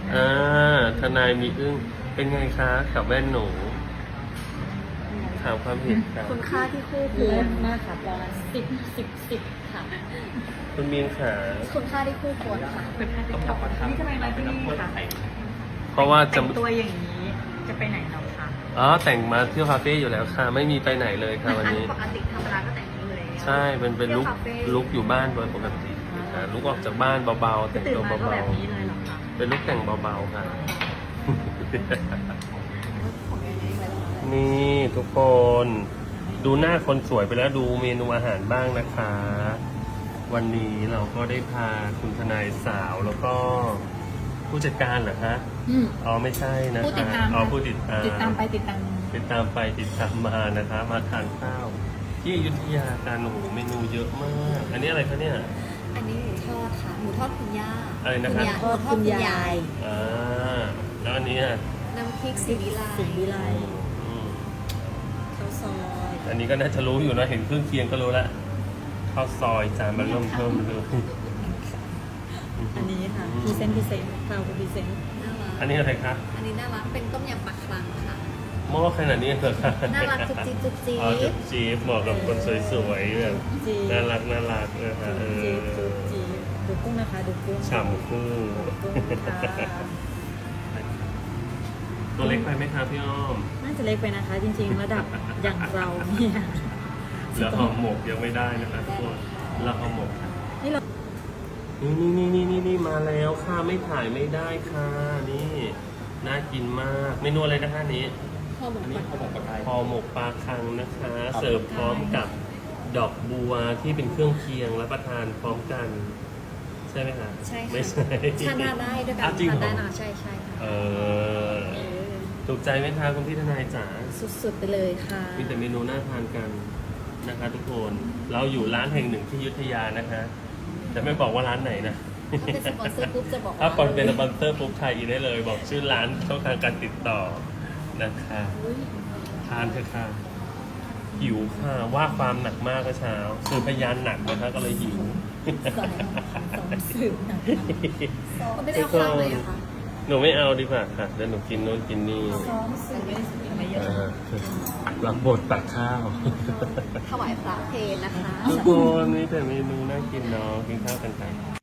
ทนายมีอึ้งเป็นไงคะกับแว่นหนูถามความเห็นครับคุณค่าที่คู่คเลิวรศมากค่ะประมาณ10ค่ะคุณมีนขาคุณค่าที่คู่ควรค่ะต้องกลับมาทำนี่ทำไมมาที่นี่คะเพราะว่าจะแต่งตัวอย่างนี้จะไปไหนเราคะแต่งมาเที่ยวคาเฟ่อยู่แล้วค่ะ ไม่มีไปไหนเลยค่ะวันนี้ปกติธรรมดาก็แต่งนี้อยู่แล้วใช่เป็นลุกเที่ยวคาเฟ่ลุกอยู่บ้านโดยปกติลุกออกจากบ้านเบาๆแต่งตื่นตัวมาก็เบาแบบนี้เลยเหรอคะๆเป็นลุกแต่งเบาๆค่ะ นี่ทุกคนดูหน้าคนสวยไปแล้วดูเมนูอาหารบ้างนะคะ วันนี้เราก็ได้พาคุณทนายสาวแล้วก็ผู้จัดการเหรอคะ อ๋อไม่ใช่นะคะผู้ติดตามอ๋อผู้ติดตามติดตามไปติดตามติดตามไปติดตามมานะคะ มาทานข้าว ที่อยุธยาการโอ้โหเมนูเยอะมาก อันนี้อะไรคะเนี่ยอันนี้หมูทอดค่ะ หมูทอดคุณย่าอะไรนะครับหมูทอดคุณยายอ่าแล้วอันนี้อ่ะน้ำพริกสีวิไลสิงห์วิไลอืมข้าวซอยอันนี้ก็น่าจะรู้อยู่นะเห็นเครื่องเคียงก็รู้ละข้าวซอยจานมันเริ่มเพิ่มเลยอันนี้ค่ะพรีเซนต์คราวพรีเซนต์น่ารักอันนี้อะไรคะอันนี้น่ารัก เป็นต้มยำปลาคลังค่ะหม้อขนาดนี้เหรอคะน่ารักจุ๊บจิ๊บจุ๊บจิ๊บอ๋อจุ๊บจี๊บเหมาะกับคนสวยๆแบบจีน่ารักนะคะเอจีอจีดูกุ้งนะคะดูกุ้งฉ่ำคู่ดูกุ้งค่ะตัวเล็กไปไหมคะพี่อ้อมน่าจะเล็กไปนะคะ จริงๆระดับอย่างเราเนี่ยแล้วห่อหมกยังไม่ได้นะคะทุกคนแล้วห่อหมกค่ะนี่เรานี่มาแล้วค่ะไม่ถ่ายไม่ได้ค่ะนี่น่ากินมากเมนูอะไรนะคะนี้ข้าวหมกปลาห่อหมกปลาคังนะคะ เสิร์ฟพร้อมกับดอกบัวที่เป็นเครื่องเคียงรับประทานพร้อมกัน ใช่ไหมคะใช่ค่ะไม่ใช่ทานได้ด้วยกันอ้าวจริงทานเหรได้อนะใช่ใช่ค่ะเออถูกใจไหมคะคุณพี่ทนายจ๋าสุดๆไปเลยค่ะมีแต่เมนูน่าทานกันนะคะทุกคนเราอยู่ร้านแห่งหนึ่งที่อยุธยานะคะแต่ไม่บอกว่าร้านไหนนะถ้าเป็นสปอนเซอร์ปุ๊บจะบอกถ้าว่าเป็นสปอนเซอร์ปุ๊บไทยอินได้เลย บอกชื่อร้านช่องทางการติดต่อนะคะทานเถอะค่ะหิวค่ะว่าความหนักมากเมื่อเช้าสื่อพยานหนักนะคะก็เลยหิวสองสืบนะเขาไม่ได้เอาคลังเลยเหรอคะหนูไม่เอาดีกว่าค่ะเดี๋ยวหนูกินโน้นกินนี่ซ้อมสืบไม่เยอะรับบทตักข้าวถวายพระเพลนะคะทุกคนนี่แต่เมนูน่ากินเนาะกินข้าวกันไป